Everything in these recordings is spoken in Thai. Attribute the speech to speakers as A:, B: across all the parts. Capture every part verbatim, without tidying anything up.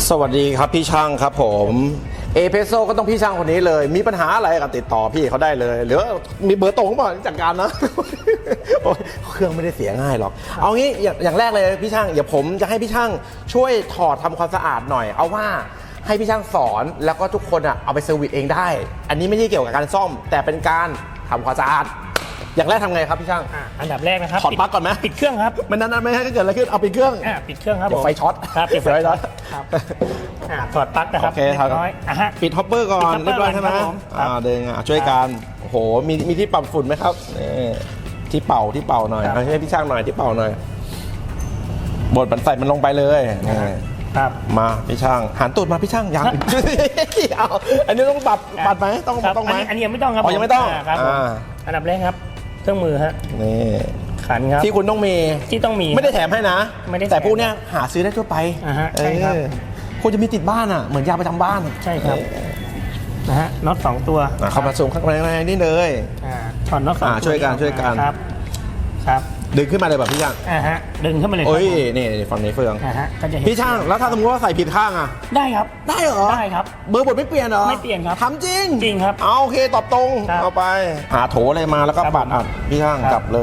A: สวัสดีครับพี่ช่างครับผมเอเพโซก็ต้องพี่ช่างคนนี้เลยมีปัญหาอะไรก็ติดต่อพี่เขาได้เลยหรือมีเบอร์ตรงเปล่าจัดการนะ เครื่องไม่ได้เสียง่ายหรอกเอางี้อย่างอย่างแรกเลยพี่ช่างอย่าผมจะให้พี่ช่างช่วยถอดทำความสะอาดหน่อยเอาว่าให้พี่ช่างสอนแล้วก็ทุกคนอ่ะเอาไปเซอร์วิสเองได้อันนี้ไม่ใช่เกี่ยวกับการซ่อมแต่เป็นการทำความสะอาดอย่างแรกทำไงครับพี่ช่าง
B: อ่ะอันดับแรกนะครับ
A: ถอดปลั๊กก่อนไหม
B: ปิดเครื่องครับ
A: มันนั้นๆไม่ให้เกิดอะไรขึ้นเอาปิดเครื่อง
B: อ่ะปิดเครื่องครับ
A: เดี๋ยว
B: ผม
A: ไฟช็อต
B: ครับปิดไฟ
A: เดี๋ยวไฟช็
B: ช็
A: อ
B: อ
A: ต
B: ตครับอ่ะถอดปลั๊กนะครับ
A: โอเคครับ
B: เรียบร้อยอ่ะฮะ
A: ปิดฮอปเปอร์ก่อน
B: ปิด
A: เรียบร้อย
B: hopper
A: ใช่ไหม
B: ก่อนครับผมครับ
A: อ่าดึงอ่ะช่วยกันโอ้โหมีมีที่ปรับฝุ่นไหมครับนี่ที่เป่าที่เป่าหน่อย
B: ครับ
A: เอาให้พี่ช่างหน่อยที่เป่าหน่อยบดมันใส่มันลงไปเลยนี่
B: ครับ
A: มาพี่ช่างหันตูดมาพี่ช่างยัง เอาอันนี้ต้องปรับปัดไหมต้อง
B: ครับ
A: ต้องไหม
B: อันนี้อันนี้ยังไม่ต้องครับ
A: อ๋อยังไม่ต้อง
B: าครับผม
A: อ่า
B: อันดับแรกครับ เครื่องมือฮะ
A: นี่
B: ขันครับ
A: ที่คุณต้องมี
B: ที่ต้องมี
A: ไม่ได้แถมให้นะ
B: ไม่ได้แถม
A: แต่พวกเนี้ยหาซื้อได้ทั่วไป
B: อ่าฮะใช่ครับ
A: เออคุณจะมีติดบ้านอ่ะเหมือนยาประจำบ้าน
B: ใช่ครับนะฮะน็อตสองตัว
A: อ่ะเข้ามาสูงข้างในนี่เลย
B: อ่าถอดน็อตสอง
A: อ่า
B: ตัว
A: ช่วยกันช่วยกัน
B: ครับครับ
A: ดึงขึ้นมาเลยแบบพี่ช่าง
B: อ่าฮะดึงขึ้นมาเลยครับ
A: โอ้ยนี่ฝั่งนี้เฟือง
B: อ่าฮะก็จะเห็น
A: พี่ช่างแล้วถ้าสมมติว่าใส่ผิดข้างอ่ะ
B: ได้ครับ
A: ได้เหรอ
B: ได้ครับ
A: เบอร์บทไม่เปลี่ยนเหรอ
B: ไม่เปลี่ยนครับ
A: ทำจริง
B: จริงครับ
A: เอาโอเคตอบตรง
B: ครับ
A: เอาไป หาโถอะไรมาแล้วก็
B: ครับ
A: ปัดอัดพี่ช่าง
B: ครับ
A: จับเลย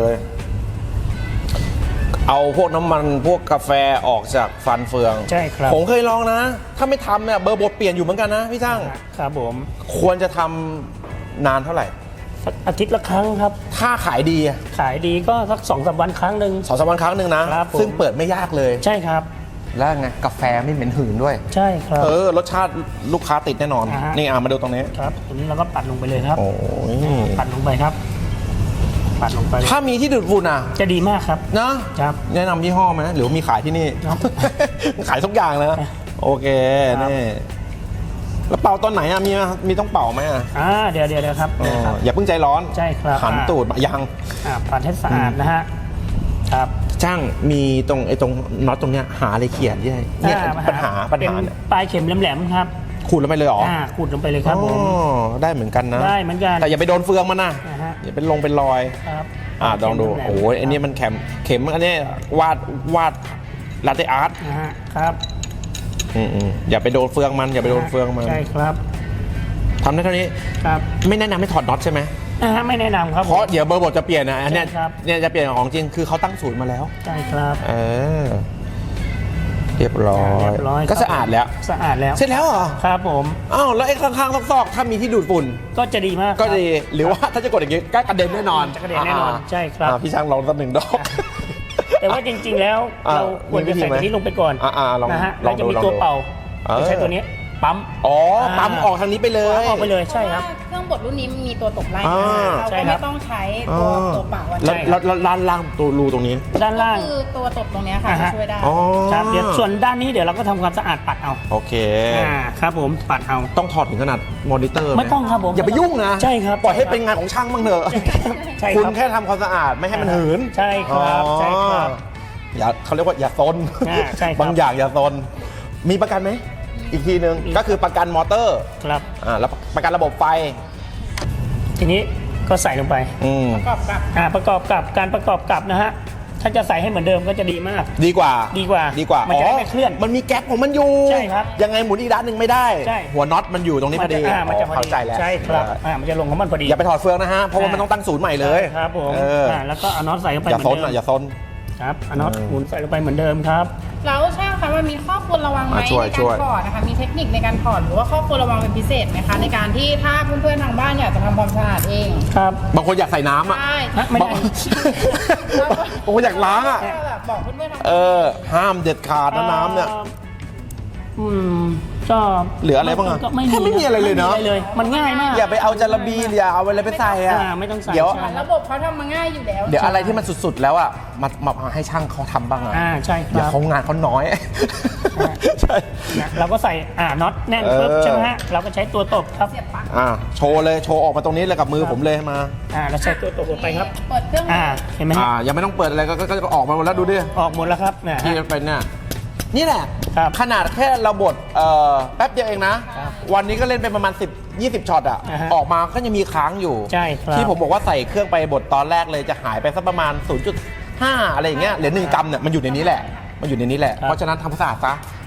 A: เอาพวกน้ำมันพวกกาแฟออกจากฟันเฟือง
B: ใช่ครับ
A: ผมเคยลองนะ ถ้าไม่ทำเนี่ยเบอร์บทเปลี่ยนอยู่เหมือนกันนะพี่ช่าง
B: ครับผม
A: ควรจะทำนานเท่าไหร่
B: สักอาทิตย์ละครั้งครับ
A: ถ้าขายดีอะ
B: ขายดีก็สักสองสามวันครั้งหนึ่ง
A: สองสามวันครั้งหนึ่งนะ
B: ครับผม
A: ซึ่งเปิดไม่ยากเลย
B: ใช่ครับ
A: แล้วไงกาแฟไม่เหม็นหืนด้วย
B: ใช่ครับ
A: เออรสชาติลูกค้าติดแน่นอน
B: อ่าฮะ
A: นี่อ่ะมาดูตรงนี้
B: ครับตรงนี้เราก็ปัดลงไปเลยครับ
A: โอ้ย
B: ปัดลงไปครับ ปัดลงไป
A: ถ้ามีที่ดูดฝุ่นอ่ะ
B: จะดีมากครับ
A: นะครับ แนะนำยี่ห้อไหมหรือว่ามีขายที่นี่
B: ครับ
A: ขายทุกอย่างนะ
B: ครับ
A: โอเค
B: ครับ
A: นี่แล้วเป่าตอนไหนอ่ะมีมีต้องเป่าไหมอ่ะ
B: อ่าเดี๋ยวเดี๋ยวเดี๋ยวครับ
A: อ๋อ
B: เดี๋ยวครับ
A: อย่าเพิ่งใจร้อน
B: ใช่ครับ
A: หัน
B: อ่า
A: ตูดมายัง
B: อ่าปัดให้สะอาดนะฮะครับ
A: ช่างมีตรงไอ้ตรงน็อตตรงเนี้ยหาอะไรเขียนที่ไหนเนี่ย
B: อ่
A: ปัญหาปัญ
B: เป็น
A: หาเนี่ย
B: ปลายเข็มแหลมๆครับ
A: ขูดลงไปเลยเหรอ
B: อ่าขูดลงไปเลยครับผม
A: อ๋อได้เหมือนกันนะ
B: ได้เหมือนกัน
A: แต่อย่าไปโดนเฟืองมันนะ
B: อ่าฮะ
A: อย่าเป็นลงเป็นรอย
B: ครับ
A: อ่าลองดู
B: เข็มแหลมๆ
A: โอ้ยอันนี้มันเข็มเข็มอันนี้วาดวาดลาเต้อาร์ต
B: นะฮะครับ
A: อืมอืมอย่าไปโดนเฟืองมันอย่าไปโดนเฟืองมัน
B: ใช่ครับ
A: ทำได้เท่านี้
B: ครับ
A: ไม่แนะนำให้ถอดน็อตใช่ไหม
B: นะฮะไม่แนะนำครับ
A: เพราะเดี๋ยวเบอร์บทจะเปลี่ยนนะอันเนี้ย
B: ใช่ครับ
A: เนี่ยจะเปลี่ยนของจริงคือเขาตั้งศูนย์มาแล้ว
B: ใช่ครับ
A: เออเรียบร้อย
B: เรียบร้อย
A: ก็สะอาดแล้ว
B: สะอาดแล้ว
A: เสร็จแล้วเหรอ
B: ครับผม
A: อ้าวแล้วไอ้ข้างๆซอกๆถ้ามีที่ดูดฝุ่น
B: ก็จะดีมาก
A: ก็
B: ครับ
A: ดีหรือว่าถ้าจะกดอย่างงี้ก็กระเด็นแน่นอน
B: จะกระเด็นแน่นอนใช่ครับ
A: อ่าพี่ช่างลองสักหนึ่งดอก
B: แต่ว่าจริงๆแล้ว
A: อ่า
B: เราควรจะใส่
A: มีวิธีไหม
B: ตัวนี้ลงไปก่อน
A: อ่าๆลอง
B: นะฮะ
A: ล
B: แล้
A: อ
B: ว
A: ง
B: จะ
A: ดู
B: มี
A: ลอง
B: ตัว
A: ดู
B: เป่า
A: เออ
B: จะใช้ตัวนี้ปั๊ม
A: อ๋อ
B: อ่า
A: ปั๊มออกทางนี้ไปเลย
B: ออกไปเลยใช่ครับ
C: เครื่องบดรุ่นนี้มีตัวตบไล่
A: อ่า
C: เรา
B: ใช่
C: ก็
B: ครั
C: ไม่
B: บ
C: ต้องใช้ตัวตัวเปล่าอะ
A: แล้ว
B: ใช่
A: แล้วแล้วด้านล่างตัวรูตรงนี้
B: ด้าน
C: ก็
B: ล่าง
C: คือตัวตบตรงเนี้ยค่ะ
B: อ่า
C: จะ
B: ฮะ
C: ช่วยได้
A: อ๋อ
B: ครับเดี๋ยวส่วนด้านนี้เดี๋ยวเราก็ทำความสะอาดปัดเอา
A: โอเค
B: อ่าครับผมปัดเอา
A: ต้องถอดถึงขนาดมอนิเตอร์ห
B: ไม่ต้องครับผม
A: อย่าไปยุ่งนะ
B: ใช่ครับ
A: ปล่อยให้เป็นงานของช่างบ้างเถอะ
B: ใช่
A: คุณ
B: ครับ
A: แค่ทำความสะอาดไม่ให้มันหืน
B: ใช่ครับ
A: อ๋อ
B: ใช่ครับ
A: อย่าเขาเรียกว่าอย่าซน
B: อ่าใช่ครับ
A: บางอย่างอย่าซนมีประกันไหมอีกทีหนึ่ง
B: มี
A: ก็คือประกันมอเตอร์
B: ครับ
A: อ่าแล้วประกันระบบไฟ
B: ทีนี้ก็ใส่ลงไป
A: อืม
C: ประกอบกับ
B: อ่าประกอบกับการประกอบกับนะฮะถ้าจะใส่ให้เหมือนเดิมก็จะดีมาก
A: ดีกว่า
B: ดีกว่า
A: ดีกว่า
B: มันจะได้ไม่เคลื่อน
A: มันมีแก๊ปของมันอยู่
B: ใช่ครับ
A: ยังไงหมุนอีกด้านหนึ่งไม่ได้
B: ใช่
A: หัวน็อตมันอยู่ตรงนี้พอดี
B: อ่ามันจะพอ
A: เข้า
B: ดี
A: ใจแล้ว
B: ใช่ครับ
A: เออ
B: อ่ามันจะลงของมันพอดี
A: อย่าไปถอดเฟืองนะฮะเพราะว่ามันต้องตั้งศูนย์ใหม่เลย
B: ใช่ครับผม
A: เออ
B: อ่าแล้วก็เอาน็อตใส่เข้าไป
A: อย่า
B: เหมื
A: ซ
B: อน นเดิ
A: อ่ะ
B: ม
A: อย่าซน
B: ครับเอาน็อต
A: เออ
B: หมุนใส่ลงไปเหมือนเดิมครับ
C: แล้วช่างคะมันมีข้อควรระวังไหม
A: อ่ะช่วย
C: ใน
A: ช่
C: กาว ร
A: ย
C: ถอดนะคะมีเทคนิคในการถอดหรือว่าข้อควรระวังเป็นพิเศษไหมคะในการที่ถ้าเพื่อนๆทางบ้านอยากจะทำความสะอาดเอง
B: ครับ
A: บางคนอยากใส่น้ำอ่ะ
C: ใช่
B: ฮะไม่ได้
A: บางคนอยากล้างอ่ะ
C: ก็แบบบอกเพื่อนๆทาง
A: เอ
C: บ้าน
A: อ ห้ามเด็ดขาดนะน้ำเนี่ย
B: อืมก็
A: เหลืออะไรบ้างอะ
B: ก็ไม่
A: แทบไม่มีอะไรเลยเนอะ
B: ไม่มีเลย มันง่ายมาก
A: อย่าไปเอาจาระบีอย่าเอาอะไรไปใส่อ่ะ
B: อ่าไม่ต้องใส่
A: เดี๋ยว
B: ใช่
C: ระบบเขาทำมาง่ายอยู่แล้ว
A: เดี๋ยวอะไรที่มันสุดๆแล้วอ่ะมามามาให้ช่างเขาทำบ้างอ่ะ
B: อ่าใช่ค
A: เดี๋ยว
B: รับ
A: เขางานเขาน้อย ใช่
B: นะเราก็ใส่อ่าน็อตแน่นปุ๊บ
A: เออ
B: ใช่ไหมฮะเราก็ใช้ตัวตบครับ
C: เสียบปลั๊ก
A: อ่าโชว์เลยโชว์ออกมาตรงนี้เลยกับมือผมเลยมา
B: อ่าเราใช้ตัวตบลงไปครับ
C: เปิดเครื่อง
B: อ่าเห็นไหมฮะ
A: อ่ายังไม่ต้องเปิดอะไรก็ก็ก็ออกมาหมดแล้วดูดิ
B: ออกหมดแล้วครับเนี่ย
A: ที่
B: ฮะ
A: เป็นเนี่ยนี่แหละ
B: ครับ
A: ขนาดแค่เราบดเอ่อแป๊บเดียวเองนะ
B: ครับ
A: วันนี้ก็เล่นไปประมาณสิบ ยี่สิบช็อตอ่ะ
B: อ่าฮะ
A: ออกมาก็ยังมีค้างอยู่
B: ใช่ครับ
A: ที่ผมบอกว่าใส่เครื่องไปบดตอนแรกเลยจะหายไปสักประมาณ ศูนย์จุดห้า อะไรอย่างเงี้ยเหลือหนึ่งกรัมเนี่ยมันอยู่ในนี้แหละมันอยู่ในนี้แหละ
B: ครับ
A: เพราะฉะนั้นทำความสะอาดซะ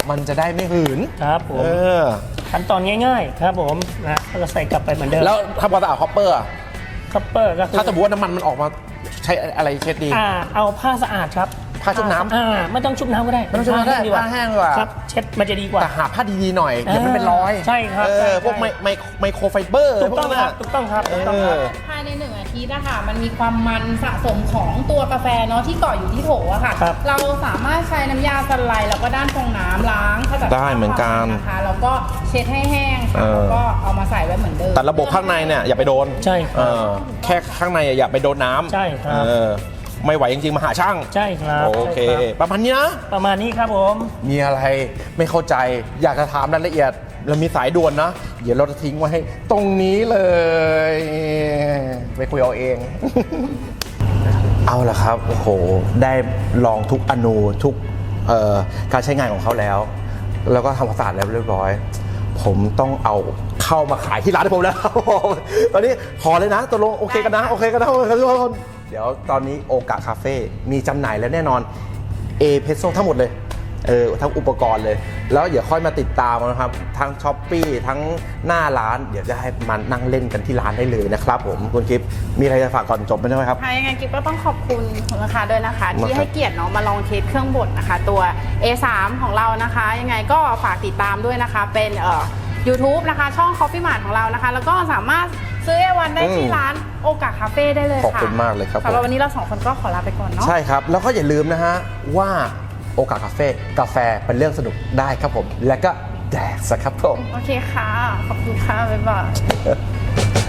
A: มันจะได้ไม่หืน
B: ครับผม
A: เออ
B: ขั้นตอนง่ายๆครับผมนะแล้วก็ใส่กลับไปเหมือนเดิม
A: แล้วทำความสะอาดคอปเปอร์อะ
B: คัพเปอร์ก็คือ
A: ถ้าสมมติว่าน้ำมันมันออกมาใช้อะไรเช็ดดี
B: อ่าเอาผ้าสะอาดครับ
A: ผ้าชุบน้ำ
B: อ่าไม่ต้องชุบน้ำก็ได้
A: ไม่ต้องชุบน้ำก็ได้
B: ผ้า
A: ผ้าแห้งดีกว่า
B: ครับเช็ดมันจะดีกว่า
A: แต่หาผ้าดีๆหน่อยเดี๋ยวมันเป็นรอย
B: ใช่ครับ
A: เอ
B: ใช่
A: อ
B: ใช่
A: พวกไมไมไมโครไฟเบอร์
B: ถูกต้อง
A: พว
B: ครับถูกต้องครับถูกต้องครับ
A: เออ
C: ภายในหนึ่งอาทิตย์นะคะมันมีความมันสะสมของตัวกาแฟเนาะที่เกาะอยู่ที่โถอะค่ะ
B: ครับ
C: เราสามารถใช้น้ำยาสไลด์แล้วก็ด้านฟองน้ำล้างขจัด
A: ได้เหมือนกัน
C: นะคะแล้วก็เช็ดให้แห้งค่ะ
A: เออ
C: แล้วก็เอามาใส่ไว้เหมือนเดิม
A: แต่ระบบข้างในเนี่ยอย่าไปโดน
B: ใช่ค
A: เอ
B: รับ
A: อแค่ข้างในอย่าไปโดนน้ำ
B: ใช่ครับ
A: เออไม่ไหวจริงๆมาหาช่าง
B: ใช่ครับ
A: โอเค
B: ใช่ครับ
A: ประมาณนี้นะ
B: ประมาณนี้ครับผม
A: มีอะไรไม่เข้าใจอยากจะถามรายละเอียดเรามีสายด่วนนะ เดี๋ยวเราจะทิ้งไว้ให้ตรงนี้เลย ไปคุยเอาเอง เอาละครับโอ้โหได้ลองทุกอนูทุกเอ่อการใช้งานของเขาแล้ว แล้วก็ทำความสะอาดแล้วเรียบร้อย ผมต้องเอาเข้ามาขายที่ร้านให้ผมแล้วครับผมตอนนี้ขอเลยนะตกลงโอเคกันนะโอเคกันนะโอเคกันทุกคนเดี๋ยวตอนนี้โอกาคาเฟ่มีจำหน่ายแล้วแน่นอนเอเพโซทั้งหมดเลยเออทั้งอุปกรณ์เลย แล้วเดี๋ยวค่อยมาติดตามนะครับทั้งช้อปปี้ทั้งหน้าร้านเดี๋ยวจะให้มันนั่งเล่นกันที่ร้านได้เลยนะครับผมคุณกิฟต์มีอะไรจะฝากก่อนจบไหมใช่ไหมครับ
C: ค่ะยังไงกิ๊บก็ต้องขอบคุณคุณลูกค้าด้วยนะคะ
A: มา
C: ที่
A: ครับ
C: ให้เกียรติเนาะมาลองเทสเครื่องบดนะคะ ตัว เอ สาม ของเรานะคะ ยังไงก็ฝากติดตามด้วยนะคะ เป็นเอ่อ YouTube นะคะ ช่อง Coffee Mart ของเรานะคะ แล้วก็สามารถซื้อเอวันได้ที่ร้านโอกาคาเฟ่ได้เลยค่ะ
A: ขอบคุณมากเลยครับผม
C: สำหรับวันนี้เราสองคนก็ขอลาไปก่อนเนาะ
A: ใช่ครับ แล้วก็อย่าลืมนะฮะว่าโอกาสคาเฟ่กาแฟเป็นเรื่องสนุกได้ครับผม และก็แดกสครับผม
C: โอเคค่ะ ขอบคุณค่ะ บ๊ายบาย